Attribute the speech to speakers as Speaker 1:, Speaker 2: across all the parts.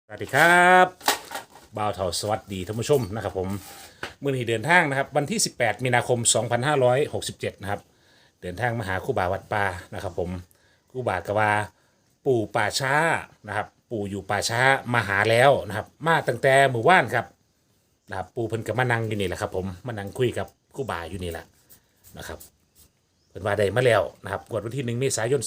Speaker 1: สวัสดีครับบ่าวเถาสวัสดีท่านผู้ชมนะครับผมมื่อนี้เดินทางนะครับวันที่ 18 มีนาคม 2567นะครับเดินทางมาหาครูบาวัดป่านะครับผมครูบากว่าปู่ป่าช้านะครับปู่อยู่ป่าช้ามาหาแล้วนะครับมาตั้งแต่หมู่บ้านครับนะครับปู่เพิ่นกับมานั่งอยู่นี่แหละครับผมมานั่งคุยกับครูบาอยู่นี่แหละนะครับเพิ่นว่าได้มาแล้วนะครับกวดวันที่1 เมษายน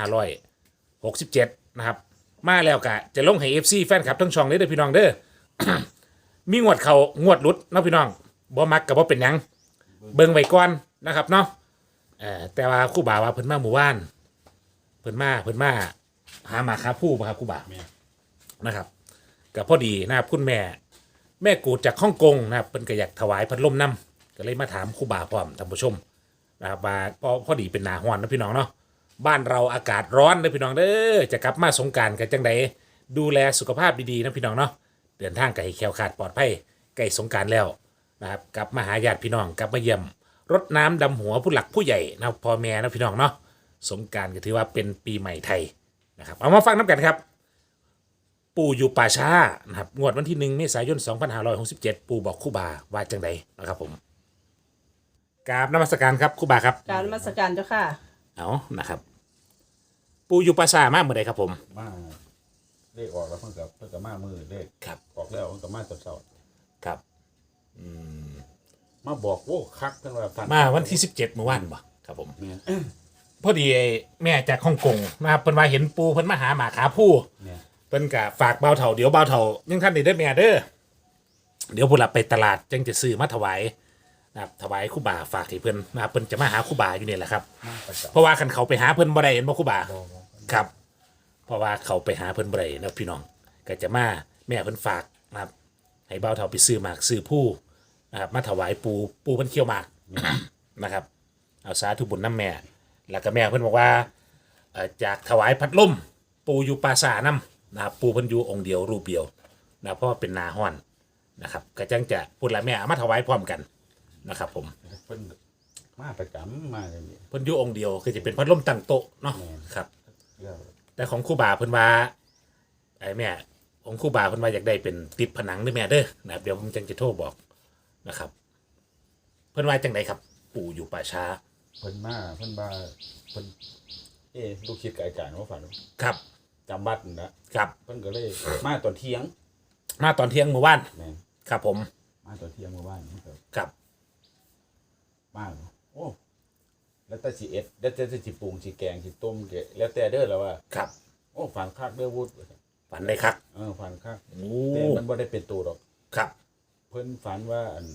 Speaker 1: 2567นะครับมาแล้วกะจะลงให้ FC แฟนคลับทั้งช่องเลยเด้อพี่น้องเด้อ มีงวดเขางวดหลุดเนาะพี่น้องบ่มักกับบ่เป็นหยังเบิ่งไว้ก่อนนะครับเนาะแต่ว่าครูบาว่าเพิ่นมาหมู่บ้านเพิ่นมาหาหมาคาผู้บ่ครับครูบานะครับก็พอดีนะครับคุณแม่กูดจากฮ่องกงนะครับเพิ่นก็อยากถวายพัดลมน้ำก็เลยมาถามครูบาพร้อมท่านผู้ชมนะครับว่าพอดีเป็นหน้าร้อนนะพี่น้องเนาะบ้านเราอากาศร้อนนะพี่น้องเด้อจะกลับมาสงกรานต์กันจังไดดูแลสุขภาพดีๆนะพี่น้องเนาะเดินทางไกลแคล้วคลาดปลอดภัยใกล้สงกรานต์แล้วนะครับกลับมาหาญาติพี่น้องกลับมาเยี่ยมรดน้ำดำหัวผู้หลักผู้ใหญ่นะพ่อแม่นะพี่น้องเนาะสงกรานต์ก็ถือว่าเป็นปีใหม่ไทยนะครับเอามาฟังน้ำกันครับปู่อยู่ป่าช้านะครับงวดวันที่1 เมษายน 2567ปู่บอกครูบาว่าจังไดนะครับผมกราบนมัสการครับครูบาครับ
Speaker 2: การนมัสการเจ้าค่ะ
Speaker 1: เอานะครับปู่อยู่ป่าช้ามากเมื่อใดครับผม
Speaker 3: มาเลขออกแล้วเพิ่งกับมามือเลข
Speaker 1: ครับ
Speaker 3: ออกแล้วเพิ่งกับมาตอนเช้า
Speaker 1: ครับ
Speaker 3: มาบอกโว้คักเพิ่นว่าฟัน
Speaker 1: มาวันที่17เมื่อวานบ่ครับผม
Speaker 3: เนี่ย
Speaker 1: พอดีไอ้แม่จากฮ่องกงนะครับเพิ่นว่าเห็นปูเพิ่นมาหาหมาขาผู้
Speaker 3: เนี่ย
Speaker 1: เพิ่นก็ฝากเบาเถาเดี๋ยวเบาเถายังท่านได้เด้อแม่เด้อเดี๋ยวผู้หลับไปตลาดจึงจะซื้อมาถวายนะครับถวายครูบาฝากให้เพิ่นนะครับเพิ่นจะมาหาครูบาอยู่นี่แหละครับ
Speaker 3: มาประจำ
Speaker 1: เพราะว่าคันเขาไปหาเพิ่นบ่ได้เห็นบ่ครูบา
Speaker 3: บอก
Speaker 1: ครับ เพราะว่าเขาไปหาเพิ่นบ่ได้นะพี่น้องก็จะมาแม่เพิ่นฝากนะครับให้เบาเถาไปซื้อหมากซื้อผู้นะครับมาถวายปูเพิ่นเคี่ยวหมาก นะครับเอาสาธุบุญน้ำแม่แล้วก็แม่เพิ่นบอกว่าจากถวายพัดลมปูอยู่ปราสาทน้ำนะครับปูเพิ่นอยู่องค์เดียวรูปเดียวนะเพราะว่าเป็นนาฮ้อนนะครับก็จังจะพูดละแม่เอามาถวายพร้อมกันนะครับผม
Speaker 3: เพิ่นมาประจำมาเลยนี่
Speaker 1: เพิ่นอยู่องค์เดียวคือจะเป็นพัดลมตั้งโต๊ะเนาะ
Speaker 3: แม่น
Speaker 1: ครับ
Speaker 3: แล้ว
Speaker 1: แต่ของครูบาเพิ่นว่าไอ้แม่ของครูบาเพิ่นว่าอยากได้เป็นติดผนังด้วยแม่เด้อนะครับเดี๋ยวผมจังจะโทรบอกนะครับ เพิ่นว่าจังไดครับ ปู่อยู่ป่าช้า
Speaker 3: เพิ่นมาเพิ่นว่าเพิ่นลูกศิษย์กับอาจารย์ว่าฝัน
Speaker 1: ครับ
Speaker 3: จำบัดนะครับ เพิ่นก็เลยมาตอนเที่ยง
Speaker 1: มาตอนเที่ยงเมื่อวาน
Speaker 3: แม่น
Speaker 1: ครับผม
Speaker 3: มาตอนเที่ยงเมื่อวานมันก็
Speaker 1: ครับ
Speaker 3: มาโอ้แล้วแต่สิเอ็ดแล้วแต่สิปรุงสิแกงสิต้มแล้วแต่เด้อแล้วว่า
Speaker 1: ครับ
Speaker 3: โอ้ฝันคักเด้อวุฒ
Speaker 1: ฝันได้ครับ
Speaker 3: ฝันคัก
Speaker 1: โอ้
Speaker 3: แต่มันบ่ได้เป็นตัวดอก
Speaker 1: ครับ
Speaker 3: เพิ่นฝันว่าอัน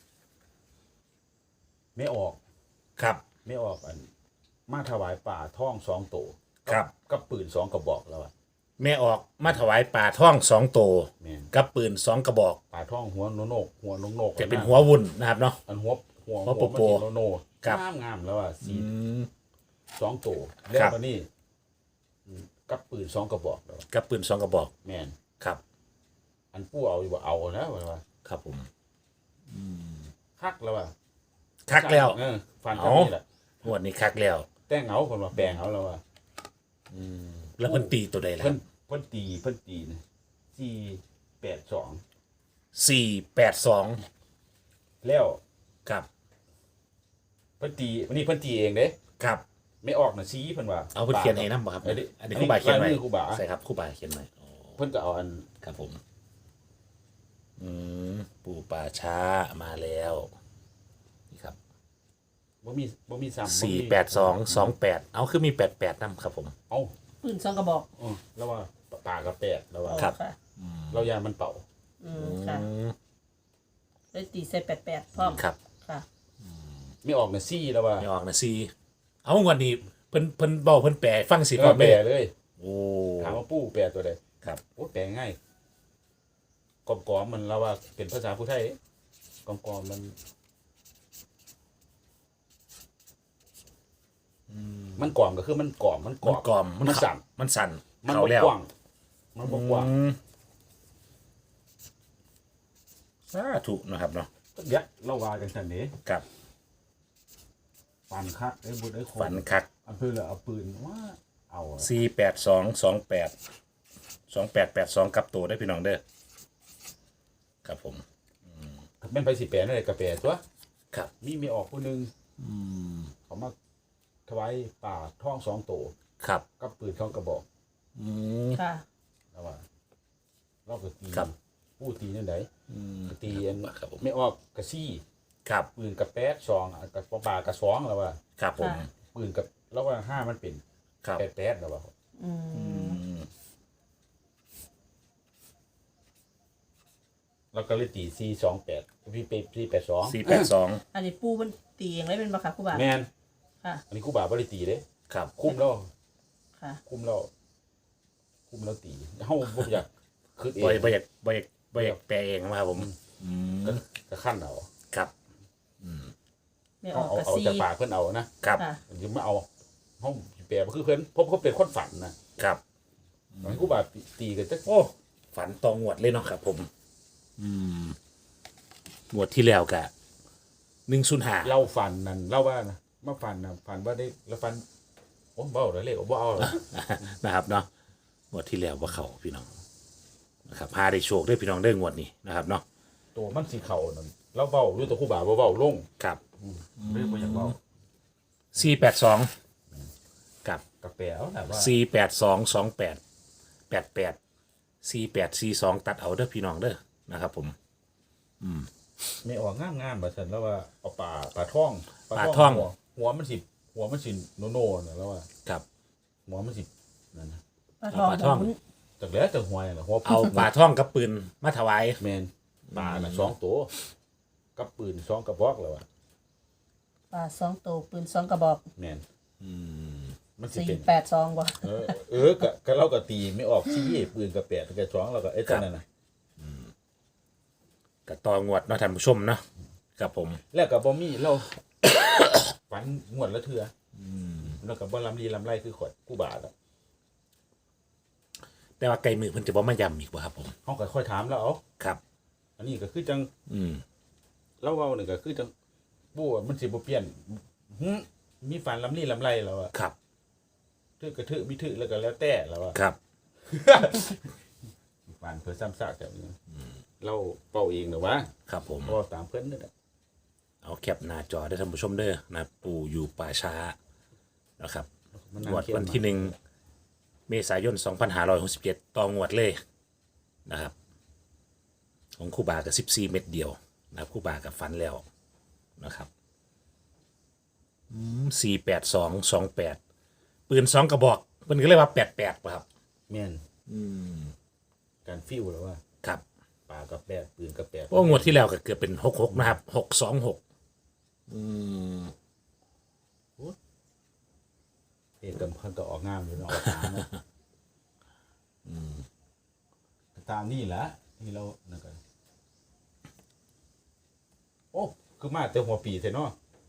Speaker 3: ไม่ออก
Speaker 1: ครับ
Speaker 3: ไม่ออกอัน มาถวายป่าท่อง2 ตัว
Speaker 1: ครับ
Speaker 3: กับปืน2 กระบอกแล้วอะ
Speaker 1: แม่ออกมาถวายป่าท่อง2 ตัว
Speaker 3: แม่น
Speaker 1: กับปืน2 กระบอก
Speaker 3: ป่าท่องหัวโนกหัวโนก
Speaker 1: จะเป็นหัววุ่นนะครับเนาะ
Speaker 3: อันหัว
Speaker 1: หัวโปโป
Speaker 3: มันโน
Speaker 1: ครับ
Speaker 3: งามแล้วอ่ะสี
Speaker 1: ม
Speaker 3: 2 ตัว
Speaker 1: ค
Speaker 3: แล้ว
Speaker 1: รับ
Speaker 3: ก็นี่กับปืน2 กระบอกแล้วอะ
Speaker 1: กับปืน2 กระบอก
Speaker 3: แม่น
Speaker 1: ครับ
Speaker 3: อันปู่เอาอยู่บ่เอาแล้วว่า
Speaker 1: ครับผม
Speaker 3: คักแล้วอ่ะ
Speaker 1: คักแล้ว
Speaker 3: ฝัน
Speaker 1: เอา
Speaker 3: จำนี่แหละ
Speaker 1: งวดนี้คักแล้ว
Speaker 3: แต่งเอาคนว่าแปลงเอาแล้วอ่ะ
Speaker 1: แล้วเพิ่นตีตัวใดล่ะ
Speaker 3: เพิ่นตีนะ482
Speaker 1: 482
Speaker 3: แล้ว
Speaker 1: ครับ
Speaker 3: เพิ่นตีวันนี้เพิ่นตีเองเด้
Speaker 1: ครับ
Speaker 3: ไม่ออกนะชี้เพิ่นว่า
Speaker 1: เอาเพิ่นเขียนให้นำบ่ครับ
Speaker 3: อันนี้
Speaker 1: อันนี้ครูบาเขียนไว้
Speaker 3: ลายมือครูบา
Speaker 1: ใช่ครับครูบาเขียนไว้อ๋อ
Speaker 3: เพิ่นก็เอาอัน
Speaker 1: ครับผมอืมปู่ป่าช้ามาแล้วนี่ครับ
Speaker 3: บ่มีซ้ำ
Speaker 1: 48228เอาคือมี88นำครับผม
Speaker 3: เอ้า
Speaker 2: ปืนซองกระบอก
Speaker 3: แล้วว่าปากกับแปดแล้วว่า
Speaker 1: ครับ
Speaker 2: ค่ะ
Speaker 3: เรายานมันเป่า
Speaker 2: ค่ะ
Speaker 1: อืม
Speaker 2: เลยตีใส่88พร้อม
Speaker 1: ครับ
Speaker 2: ค่ะ
Speaker 3: ไม่ออกนะซี่แล้วว่า
Speaker 1: ไม่ออกนะซีเอางวันนี้เพิ่นบอกเพิ่นแปลให้ฟังสิ
Speaker 3: เอ
Speaker 1: ก่อ
Speaker 3: อน แปล
Speaker 1: แม่
Speaker 3: เลย
Speaker 1: โอ้
Speaker 3: ถามว่าปู่แปลตัวใด
Speaker 1: ครับ
Speaker 3: โอ้แปลง่ายกอมๆมันแล้วว่าเป็นภาษาผู้ไทยกอมๆมันกอมก็คือมันกอมมันก
Speaker 1: มั
Speaker 3: อน ม
Speaker 1: กล่อม
Speaker 3: มันสั่น
Speaker 1: มันสั่น
Speaker 3: มัน
Speaker 1: เขา
Speaker 3: บ่
Speaker 1: แล้ว
Speaker 3: กว้างมันบ่กว้าง
Speaker 1: อืมสาธุนะครับเนาะ
Speaker 3: ยักเราว่ากันซั่นเด้
Speaker 1: กับ
Speaker 3: ปันคักไอ้บุญไอ้คน
Speaker 1: ฝันคัก
Speaker 3: อำเภอละเอาปืนว่าเอาอะ
Speaker 1: 48228 2882กับตัวได้พี่น้องเด้อครับผม
Speaker 3: ถ้าแม่นไปสิแปลนั่นแหละก็แปลตัว
Speaker 1: ครับ
Speaker 3: มีออกผู้หนึงเขามาถวายป่าท้อง2ตัว
Speaker 1: ครับ
Speaker 3: กับปืน2กระบอก
Speaker 2: ค่ะ
Speaker 3: แล้วว่าเราก็ตี
Speaker 1: ครับ
Speaker 3: ผู้ตีนั่นไดก็ตีอัน
Speaker 1: ครับผม
Speaker 3: ไม่ออกกระซี่
Speaker 1: ครับ
Speaker 3: ปืนกับแป๊ดซองกับป่ากระสองแล้วว่า
Speaker 1: ครับผม
Speaker 2: ค่ะ
Speaker 3: ปืนกับแล้วว่า5มันเป็น
Speaker 1: ครับ
Speaker 3: แป๊ดแล้วว่า
Speaker 2: อืม
Speaker 3: เราก็เลยตี428พี่ไป482
Speaker 1: 482
Speaker 2: อันนี้ปูมันตีเองได้เป็นปะคะครูบา
Speaker 3: แม่น
Speaker 2: ค่ะ
Speaker 3: อันนี้ครูบาบ่ได้ตีเด้
Speaker 1: ครับ
Speaker 3: คุ้มแล้ว
Speaker 2: ค่ะ
Speaker 3: คุ้มแล้วตีเฮาบ่อยากคิดเอง
Speaker 1: บ่อยากแปลเองมาครับผม
Speaker 3: ก็ขั้นเอา
Speaker 1: ครับ
Speaker 2: ไม่อ
Speaker 3: เอา
Speaker 2: อกกระ
Speaker 3: เอา
Speaker 2: ซี
Speaker 3: จากปากเพิ่นเอานะครับ
Speaker 2: ค่ะ
Speaker 3: ยังไม่เอาเฮาสิแปลบ่คือเพิ่นเพราะเขาเป็นคนฝันนะครับ ตอนนี้ครูบาตีกันจัก
Speaker 1: โอ้ฝันตองงวดเลยเนาะครับผมงวดที่แล้วกะ105
Speaker 3: เล่าฝันนั่นเล่าว่านะมาฝันนะฝันว่าได้แล้วฝันโอ้เบ้าเลยเลขบ่เอาหรอ
Speaker 1: นะครับเนาะงวดที่แล้วว่าเขาพี่น้องนะครับพาได้โชคได้พี่น้องได้งวดนี้นะครับเนาะ
Speaker 3: ตัวมันสีเขานั่นเราเบ้าอยู่ตัวครูบาบ่เบ้าลง
Speaker 1: ครับ
Speaker 3: เรื่องบ่อยากเบ้า
Speaker 1: 482กับ
Speaker 3: กาแฟเอาแหละว่า
Speaker 1: 48228 4842ตัดเอาเด้อพี่น้องเด้อนะครับผม
Speaker 3: ไม่ออกงามๆว่าซั่นแล้วว่าเอาปลาท่อง
Speaker 1: ปลาท่อง
Speaker 3: หัวมันสิโนๆน่ะแล้วว่า
Speaker 1: ครับ
Speaker 3: หัวมันสินั่นนะ
Speaker 2: ปลาทอง
Speaker 1: ปลาทอง
Speaker 2: หมุน
Speaker 3: จากแล้วแต่หัวน่ะหัว
Speaker 1: เอาปลาท่องกับปืนมาถวาย
Speaker 3: แม่นปลาน่ะ2ตัวกับปืน2กระบอกแล้วว่า
Speaker 2: ปลา2ตัวปืน2กระบอก
Speaker 3: แม่นมันสิเป็น
Speaker 2: 482บ่
Speaker 3: ก็เราก็ตีไม่ออกชี้ปืนกับแปดกับ2แล้วก็ไอ้ตัวนั้นน่ะ
Speaker 1: กับตองวดเนาะท่านผู้ชมเนาะครับผม
Speaker 3: แล้วก็บ่มีเรา ฝันงวดละเทื่อแล้วก็บ่ลำลีลำไรคือขวดกูบาทอ่ะ
Speaker 1: แต่ว่าไก่มือเพิ่นจะบ่มาย้ำอีกบ่ครับผม
Speaker 3: เฮาก็ค่อยถามแล้วเอา
Speaker 1: ครับ
Speaker 3: อันนี้ก็คือจัง
Speaker 1: อืม
Speaker 3: เราเว้านี่ก็คือจังบ่ว่ามันสิบ่เปลี่ยนหึมีฝันลำลีลำไรแล้วอ่ะ
Speaker 1: ครับ
Speaker 3: ทึกกระทึกมีทึกแล้วก็แล้วแต่แล้วอ่ะ
Speaker 1: ครับ
Speaker 3: ฝันเพื่อซ้ำซากแบบนี้เราเป่าเองเด้อวะ
Speaker 1: ครับผม
Speaker 3: เว้าตามเพิ่นนั่นแหละ
Speaker 1: เอาแคปหน้าจอได้ท่านผู้ชมเด้อนะปู่อยู่ป่าช้านะครับ
Speaker 3: มัน
Speaker 1: งวดวันที่1 เมษายน 2567ต่องวดเลยนะครับ ของครู่บากับ14 เม็ดเดียวนะครับครู่บากับฟันแล้วนะครับ48228ปืน2กระบอกเพิ่นก็เรียกว่า88ป่ะครับ
Speaker 3: แม่นการฟิวแล้วว่า
Speaker 1: ครับ
Speaker 3: ปลากับแปดปืนกับแปด
Speaker 1: เพราะงวดที่แล้วก็เกือบเป็น66นะครับ626
Speaker 3: เอกกันเพิ่นก็ออกงามอยู่เนาะออกตามเนาะตามนี่แหละที่เรานั่นกันโอ้คือมาแต่หัวปีแท้เนาะ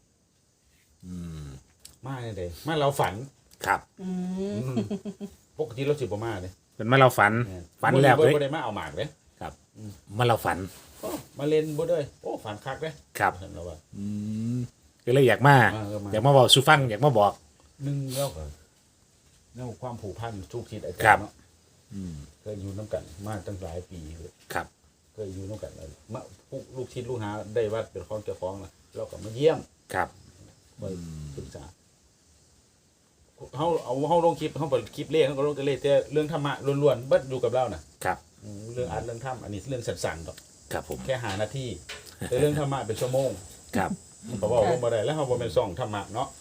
Speaker 3: มาเนี่ยเด้มาเราฝัน
Speaker 1: ครับ
Speaker 3: ปกติเราสิบ่มาเด้
Speaker 1: เป็นมาเราฝันฝันแล้ว
Speaker 3: บ่
Speaker 1: เลย
Speaker 3: ได้มาเอาหมากเด้
Speaker 1: ครับมาเราฝัน
Speaker 3: โอ้มาเล่นบ่เด้อโอ้ฝันคักเด้
Speaker 1: ครับ
Speaker 3: เห็นแล้วว่า
Speaker 1: ก็เลยอยากมา
Speaker 3: มา
Speaker 1: อยากมาบอกสุฟังอยากมาบอก
Speaker 3: หนึงแล้วก็แนวความผูกพันทุกทิศอาจา
Speaker 1: ครั
Speaker 3: ร
Speaker 1: บ
Speaker 3: ย์เนาะเคยอยู่น้ำกันมาตั้งหลายปีเลย
Speaker 1: ครับ
Speaker 3: เคยอยู่น้ำกันเลยมาลูกชิ้นลูกหาได้วัดเป็นของเจ้าของนะเราก็มาเยี่ยม
Speaker 1: ครับ
Speaker 3: ไปปรึกษาเขาลงคลิปเขาเปิดคลิปเล่เขาก็ลงแต่เล่แต่เรื่องธรรมะล้วนๆเบิดอยู่กับเรานะครับ เรื่องอัดเรื่องธรรมอันนี้เรื่องสั้นๆดอก
Speaker 1: ครับผม
Speaker 3: แค่หานาทีแต่เรื่องธรรมะเป็นชั่วโมง
Speaker 1: ครับ
Speaker 3: เพราะว่าลงมาได้แล้วเขาบ่เป็นซ่องธรรมะเนาะ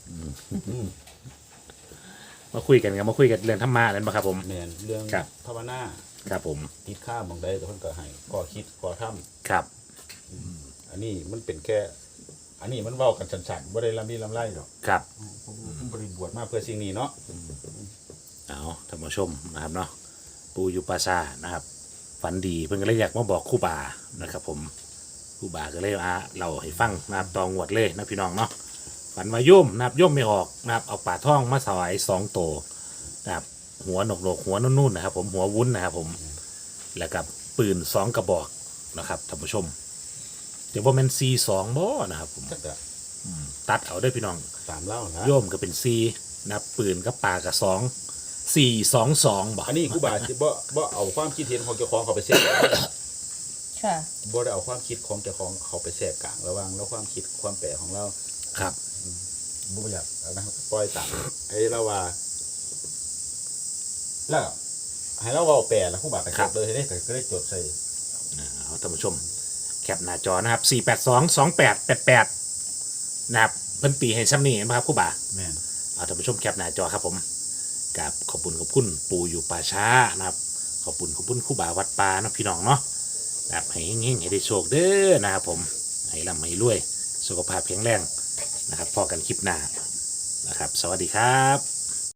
Speaker 1: มาคุยกันครับมาคุยกันเรื่องธรรมะนั่นปะครับผม
Speaker 3: แม่นเรื่อง
Speaker 1: ครับ
Speaker 3: ภาวนา
Speaker 1: ครับผม
Speaker 3: ติดข้ามบางใดก็เพิ่นก็ให้ก่อคิดก่อทำ
Speaker 1: ครับ
Speaker 3: อันนี้มันเป็นแค่ อันนี้มันเว้ากันสั้นๆบ่ได้ลำดีลำไรหรอก
Speaker 1: ครับ
Speaker 3: ผมบริบวชมาเพื่อสิ่งนี้เนาะ
Speaker 1: เอาท่านผู้ชมนะครับเนาะปูอยู่ปราซานะครับ ฝันดีเพิ่นก็เลยอยากมาบอกครู่บานะครับ ผมครู่บาก็เลยเราให้ฟังนะครับตองวดเลยนะพี่น้องเนาะฝันว่าโย่มนะครับโย่มไม่ออกนะครับเอาป่าท่องมาถวาย2 ตัวนะครับหัวหนกหัวนุ่นๆนะครับ ผมหัววุ้นนะครับ ผมแล้วกับปืน2 กระบอกนะครับท่านผู้ชมเดี๋ยวว่ามันC2บ่นะครับผม
Speaker 3: จักอะ
Speaker 1: ตัดเอาได้อพี่น้อง
Speaker 3: สามเล่านะ
Speaker 1: โยมก็เป็น4นะครับปืนกับป่ากับ2 422บ่
Speaker 3: อันนี้ครูบาสิบ่เอาความคิดเห็นของเจ้าของเขาไปแทรก
Speaker 2: ค่ะ
Speaker 3: บ่ได้เอาความคิดของเจ้าของเขาไปแทรกกลางระหว่างแล้วความคิดความแปลของเรา
Speaker 1: ครับ
Speaker 3: บ่อยากเอานะครับปล่อยตามไอ้เราว่าแล้วให้เราเว้าแปลแล้วครูบาก็จดเลยเด้ก็ได้จดใส่
Speaker 1: เอาท่านผู้ชมแคปหน้าจอนะครับ4822888นะครับเพิ่นตีให้ซ้ำนี่นะครับครูบา
Speaker 3: แม่น
Speaker 1: เอาท่านผู้ชมแคปหน้าจอครับผมกับขอบคุณปู่อยู่ป่าช้านะครับขอบคุณครูบาวัดป่าเนาะพี่น้องเนาะนะครับให้เฮงๆให้ได้โชคเด้อนะครับผมให้ร่ำให้รวยสุขภาพแข็งแรงนะครับพอกันคลิปหน้านะครับ สวัสดีครับ